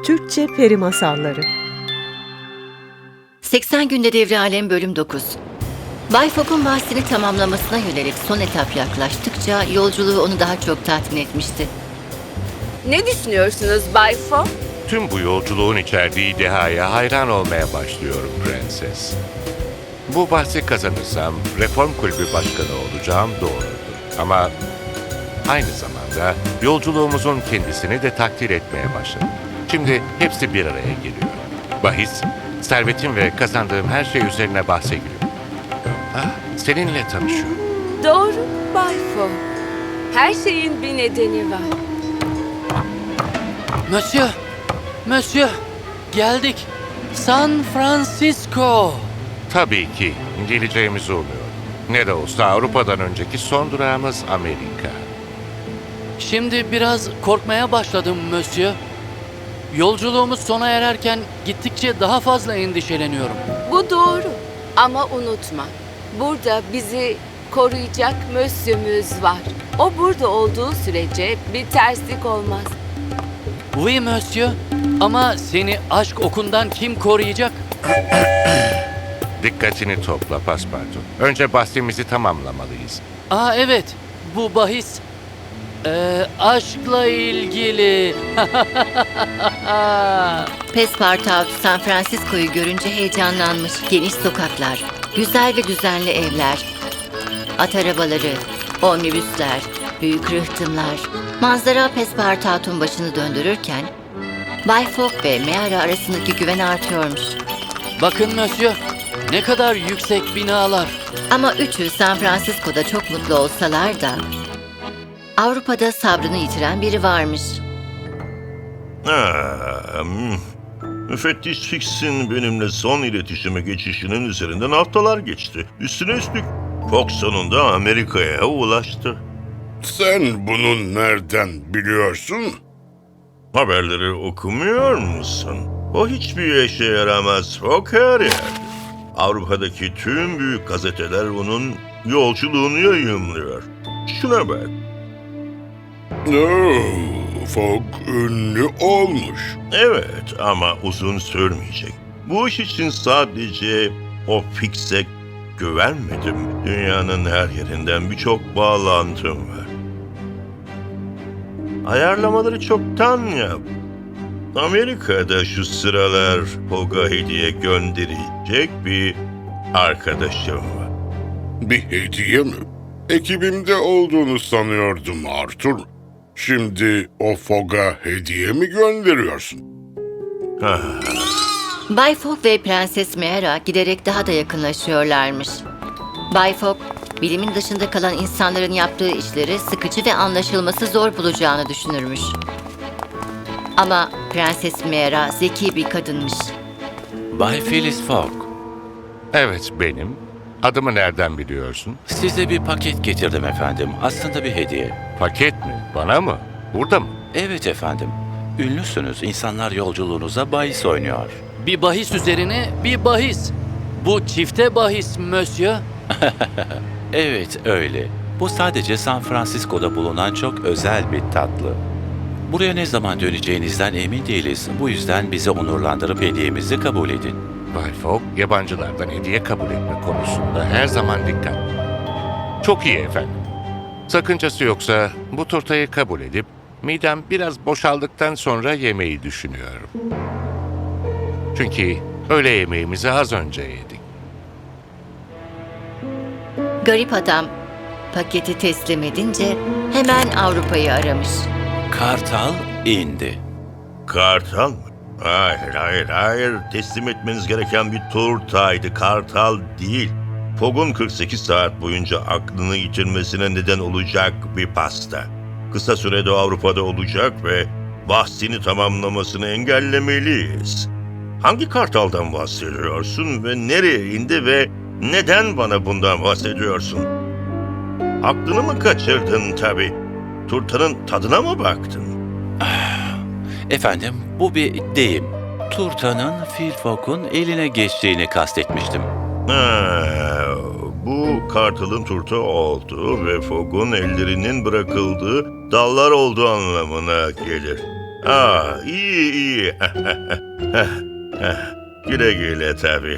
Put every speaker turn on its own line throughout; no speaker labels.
Türkçe Peri Masalları.
80 Günde Devri Alem Bölüm 9. Bay Fogg'un bahsini tamamlamasına yönelik son etap yaklaştıkça yolculuğu onu daha çok tatmin etmişti.
Ne düşünüyorsunuz Bay Fogg?
Tüm bu yolculuğun içerdiği dehaya hayran olmaya başlıyorum prenses. Bu bahsi kazanırsam Reform Kulübü Başkanı olacağım doğrudur. Ama aynı zamanda yolculuğumuzun kendisini de takdir etmeye başladım. Şimdi hepsi bir araya geliyor. Bahis, servetim ve kazandığım her şey üzerine bahse giriyor. Seninle tanışıyorum.
Doğru Bay Fogg. Her şeyin bir nedeni var.
Monsieur, geldik. San Francisco.
Tabii ki geleceğimizi umuyorum. Ne de olsa Avrupa'dan önceki son durağımız Amerika.
Şimdi biraz korkmaya başladım Monsieur. Yolculuğumuz sona ererken gittikçe daha fazla endişeleniyorum.
Bu doğru. Ama unutma. Burada bizi koruyacak Monsieur'ümüz var. O burada olduğu sürece bir terslik olmaz.
Oui Monsieur. Ama seni aşk okundan kim koruyacak?
Dikkatini topla Paspartu. Önce bahsimizi tamamlamalıyız.
Evet. Bu bahis aşkla ilgili.
Pespartout San Francisco'yu görünce heyecanlanmış. Geniş sokaklar, güzel ve düzenli evler, at arabaları, omnibüsler, büyük rıhtımlar. Manzara Pespartout'un başını döndürürken Bay Fogg ve Meara arasındaki güven artıyormuş.
Bakın Monsieur. Ne kadar yüksek binalar.
Ama üçü San Francisco'da çok mutlu olsalar da Avrupa'da sabrını yitiren biri varmış.
Müfettiş Fix'in benimle son iletişime geçişinin üzerinden haftalar geçti. Üstüne üstlük Fogg sonunda Amerika'ya ulaştı.
Sen bunu nereden biliyorsun?
Haberleri okumuyor musun? O hiçbir işe yaramaz. Fogg her yerde. Avrupa'daki tüm büyük gazeteler onun yolculuğunu yayımlıyor. Şuna bak.
Fogg ünlü olmuş.
Evet ama uzun sürmeyecek. Bu iş için sadece o Fix'e güvenmedim. Dünyanın her yerinden birçok bağlantım var. Ayarlamaları çoktan yap. Amerika'da şu sıralar Fogg'a hediye gönderecek bir arkadaşım var.
Bir hediye mi? Ekibimde olduğunu sanıyordum Arthur. Şimdi o Fogg'a hediye mi gönderiyorsun?
Bay Fogg ve Prenses Meara giderek daha da yakınlaşıyorlarmış. Bay Fogg, bilimin dışında kalan insanların yaptığı işleri sıkıcı ve anlaşılması zor bulacağını düşünürmüş. Ama Prenses Meara zeki bir kadınmış.
Bay Phileas Fogg,
Evet benim. Adımı nereden biliyorsun?
size bir paket getirdim efendim. Aslında bir hediye.
Paket mi? Bana mı? Burada mı?
Evet efendim. Ünlüsünüz. İnsanlar yolculuğunuza bahis oynuyor.
Bir bahis üzerine bir bahis. Bu çifte bahis Monsieur.
Evet öyle. Bu sadece San Francisco'da bulunan çok özel bir tatlı. Buraya ne zaman döneceğinizden emin değiliz. Bu yüzden bizi onurlandırıp hediyemizi kabul edin.
Bay Fogg, yabancılardan hediye kabul etme konusunda her zaman dikkatli. Çok iyi efendim. Sakıncası yoksa bu turtayı kabul edip midem biraz boşaldıktan sonra yemeyi düşünüyorum. Çünkü öğle yemeğimizi az önce yedik.
Garip adam paketi teslim edince hemen Avrupa'yı aramış.
Kartal indi.
Kartal mı? Hayır. Teslim etmeniz gereken bir turtaydı. Kartal değil. Fogg'un 48 saat boyunca aklını yitirmesine neden olacak bir pasta. Kısa sürede Avrupa'da olacak ve bahsini tamamlamasını engellemeliyiz. Hangi kartaldan bahsediyorsun ve nereye indi ve neden bana bundan bahsediyorsun? Aklını mı kaçırdın tabii? Turtanın tadına mı baktın?
Efendim bu bir deyim. Turtanın Phil Fogg'un eline geçtiğini kastetmiştim.
Bu kartalın turta olduğu ve Fogg'un ellerinin bırakıldığı dallar olduğu anlamına gelir. iyi iyi. Güle güle tabii.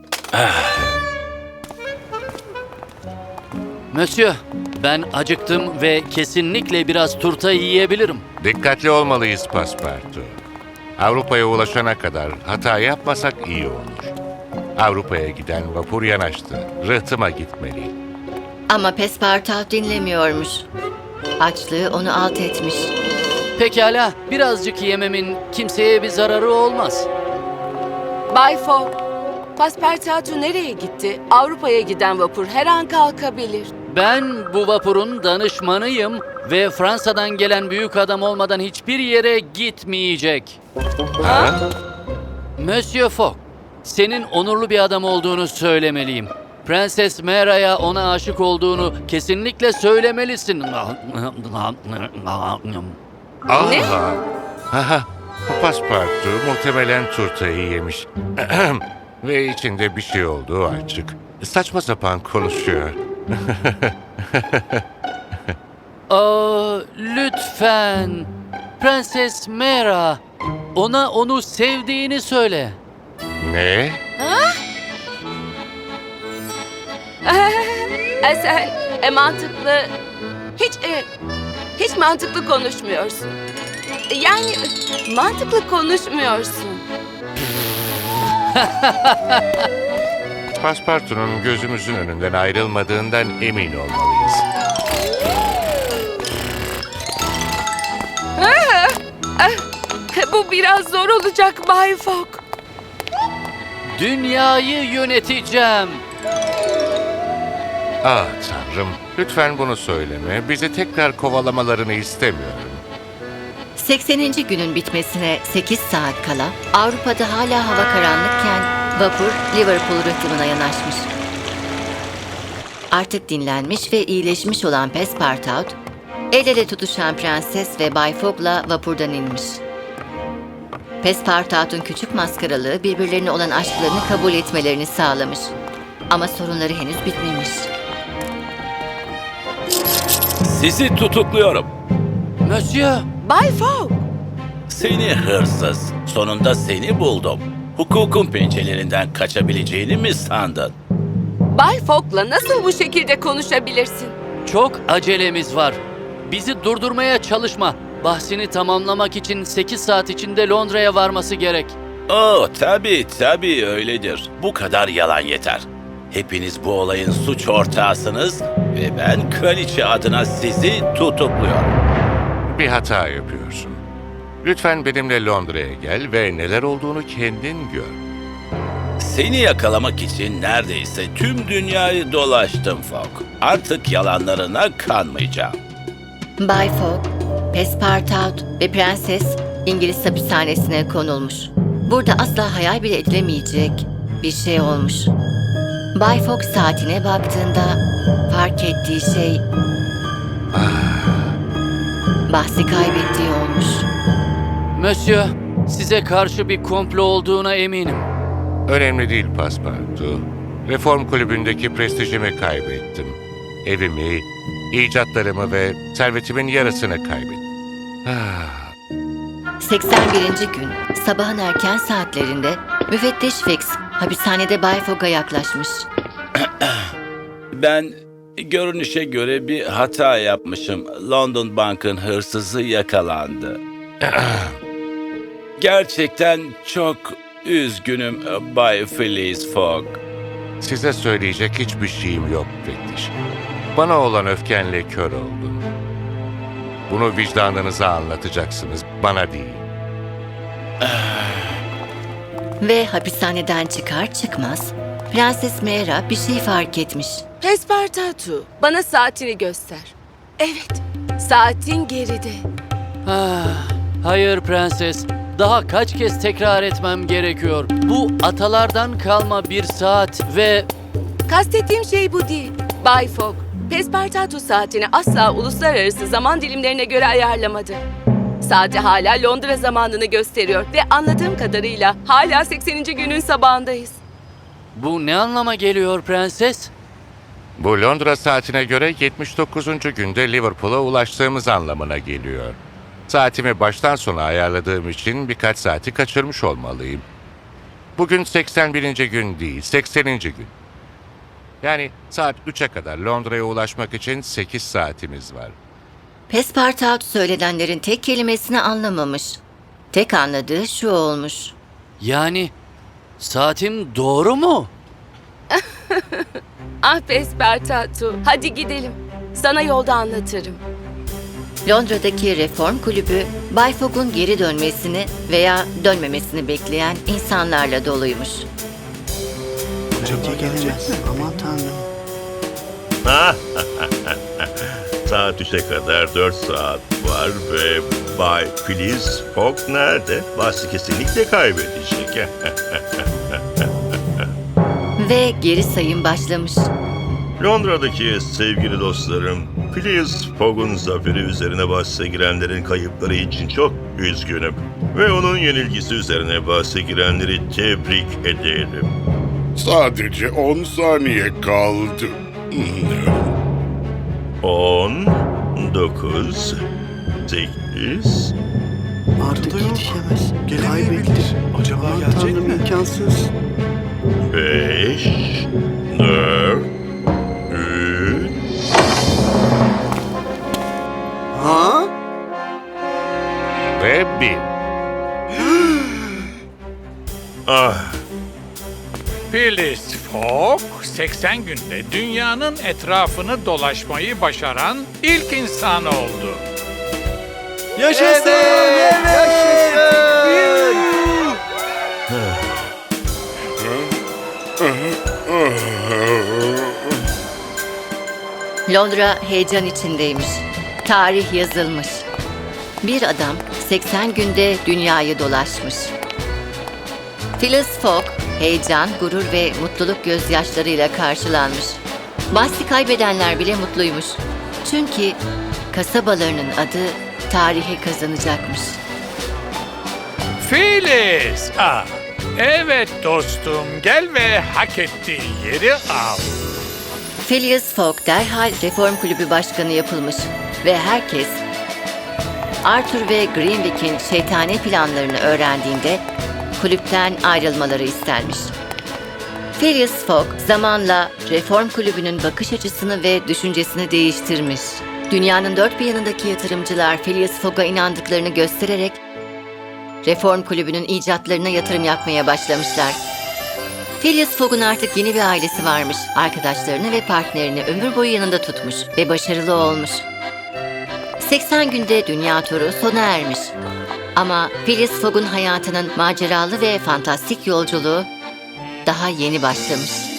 Monsieur, ben acıktım ve kesinlikle biraz turta yiyebilirim.
Dikkatli olmalıyız Paspartu. Avrupa'ya ulaşana kadar hata yapmasak iyi olur. Avrupa'ya giden vapur yanaştı. Rıhtıma gitmeli.
Ama Pespartout dinlemiyormuş. Açlığı onu alt etmiş.
Pekala, birazcık yememin kimseye bir zararı olmaz.
Bay Fogg, Passepartout nereye gitti? Avrupa'ya giden vapur her an kalkabilir.
Ben bu vapurun danışmanıyım ve Fransa'dan gelen büyük adam olmadan hiçbir yere gitmeyecek.
Ha?
Monsieur Fogg, senin onurlu bir adam olduğunu söylemeliyim. Prenses Mera'ya ona aşık olduğunu kesinlikle söylemelisin.
Ne?
Haha. Paspartu muhtemelen turtayı yemiş. Ve içinde bir şey olduğu açık. Saçma sapan konuşuyor.
Lütfen. Prenses Mera, ona onu sevdiğini söyle.
Ne?
Sen mantıklı, hiç mantıklı konuşmuyorsun. Yani mantıklı konuşmuyorsun.
Paspartu'nun gözümüzün önünden ayrılmadığından emin olmalıyız.
Bu biraz zor olacak Bay Fogg.
Dünyayı yöneteceğim.
Ah Tanrım, lütfen bunu söyleme. Bizi tekrar kovalamalarını istemiyorum.
80. günün bitmesine 8 saat kala Avrupa'da hala hava karanlıkken vapur Liverpool rıhtımına yanaşmış. Artık dinlenmiş ve iyileşmiş olan Pespartout, el ele tutuşan prenses ve Bay Fogg'la vapurdan inmiş. Pespartout'un küçük maskaralığı birbirlerine olan aşklarını kabul etmelerini sağlamış. Ama sorunları henüz bitmemiş.
Sizi tutukluyorum.
Monsieur,
Bay Fogg,
Seni hırsız. Sonunda seni buldum. Hukukun pençelerinden kaçabileceğini mi sandın?
Bay Fogg'la nasıl bu şekilde konuşabilirsin?
çok acelemiz var. Bizi durdurmaya çalışma. Bahsini tamamlamak için 8 saat içinde Londra'ya varması gerek.
Tabii öyledir. Bu kadar yalan yeter. Hepiniz bu olayın suç ortağısınız ve ben kraliçe adına sizi tutukluyorum.
Bir hata yapıyorsun. Lütfen benimle Londra'ya gel ve neler olduğunu kendin gör.
Seni yakalamak için neredeyse tüm dünyayı dolaştım Fogg. Artık yalanlarına kanmayacağım.
Bay Fogg, Pespartout ve Prenses İngiliz hapishanesine konulmuş. Burada asla hayal bile edilemeyecek bir şey olmuş. Bay Fogg saatine baktığında fark ettiği şey bahsi kaybettiği olmuş.
Monsieur, size karşı bir komplo olduğuna eminim.
Önemli değil Paspartu. Reform kulübündeki prestijimi kaybettim. Evimi, icatlarımı ve servetimin yarısını kaybettim.
81. gün sabahın erken saatlerinde müfettiş Fix hapishanede Bay Fogg'a yaklaşmış.
Ben görünüşe göre bir hata yapmışım. London Bank'ın hırsızı yakalandı. Gerçekten çok üzgünüm Bay Phileas Fogg.
Size söyleyecek hiçbir şeyim yok müfettiş. Bana olan öfkenle kör oldum. Bunu vicdanınıza anlatacaksınız, bana değil.
Ve hapishaneden çıkar çıkmaz Prenses Mera bir şey fark etmiş.
Pespartout, bana saatini göster. Evet, saatin geride.
Hayır prenses, daha kaç kez tekrar etmem gerekiyor. Bu atalardan kalma bir saat ve...
Kastettiğim şey bu değil. Bay Fogg, Pespartout saatini asla uluslararası zaman dilimlerine göre ayarlamadı. Saati hala Londra zamanını gösteriyor ve anladığım kadarıyla hala 80. günün sabahındayız.
Bu ne anlama geliyor prenses?
Bu Londra saatine göre 79. günde Liverpool'a ulaştığımız anlamına geliyor. Saatimi baştan sona ayarladığım için birkaç saati kaçırmış olmalıyım. Bugün 81. gün değil, 80. gün. Yani saat 3'e kadar Londra'ya ulaşmak için 8 saatimiz var.
Pespartout söylenenlerin tek kelimesini anlamamış. Tek anladığı şu olmuş.
Yani saatim doğru mu?
Ah Pespartatu, hadi gidelim. Sana yolda anlatırım.
Londra'daki reform kulübü, Bay Fogg'un geri dönmesini veya dönmemesini bekleyen insanlarla doluymuş.
Gelemez. Aman tanrım.
Saat 3'e kadar 4 saat var ve Bay Phileas Fogg nerede? Bahsi kesinlikle kaybedecek.
Ve geri sayım başlamış.
Londra'daki sevgili dostlarım, Phileas Fogg'un zaferi üzerine bahse girenlerin kayıpları için çok üzgünüm. Ve onun yenilgisi üzerine bahse girenleri tebrik ederim.
Sadece 10 saniye kaldı.
10, 9, 8,
Artık yetişemez. Kaybetti. Acaba gelecek mi? İmkansız.
5, 4, 3,
Ha?
Ve 1.
ah.
Phileas Fogg, 80 günde dünyanın etrafını dolaşmayı başaran ilk insan oldu.
Yaşasın!
Londra heyecan içindeymiş. Tarih yazılmış. Bir adam 80 günde dünyayı dolaşmış. Phileas Fogg, heyecan, gurur ve mutluluk gözyaşlarıyla karşılanmış. Bahsi kaybedenler bile mutluymuş. Çünkü kasabalarının adı tarihe kazanacakmış.
Phileas, evet dostum, gel ve hak ettiği yeri al.
Phileas Fogg derhal Reform Kulübü Başkanı yapılmış ve herkes Arthur ve Greenwick'in şeytani planlarını öğrendiğinde kulüpten ayrılmaları istenmiş. Phileas Fogg zamanla Reform Kulübü'nün bakış açısını ve düşüncesini değiştirmiş. Dünyanın dört bir yanındaki yatırımcılar Phileas Fogg'a inandıklarını göstererek Reform Kulübü'nün icatlarına yatırım yapmaya başlamışlar. Phileas Fogg'un artık yeni bir ailesi varmış. Arkadaşlarını ve partnerini ömür boyu yanında tutmuş ve başarılı olmuş. 80 günde dünya turu sona ermiş. Ama Phileas Fogg'un hayatının maceralı ve fantastik yolculuğu daha yeni başlamış.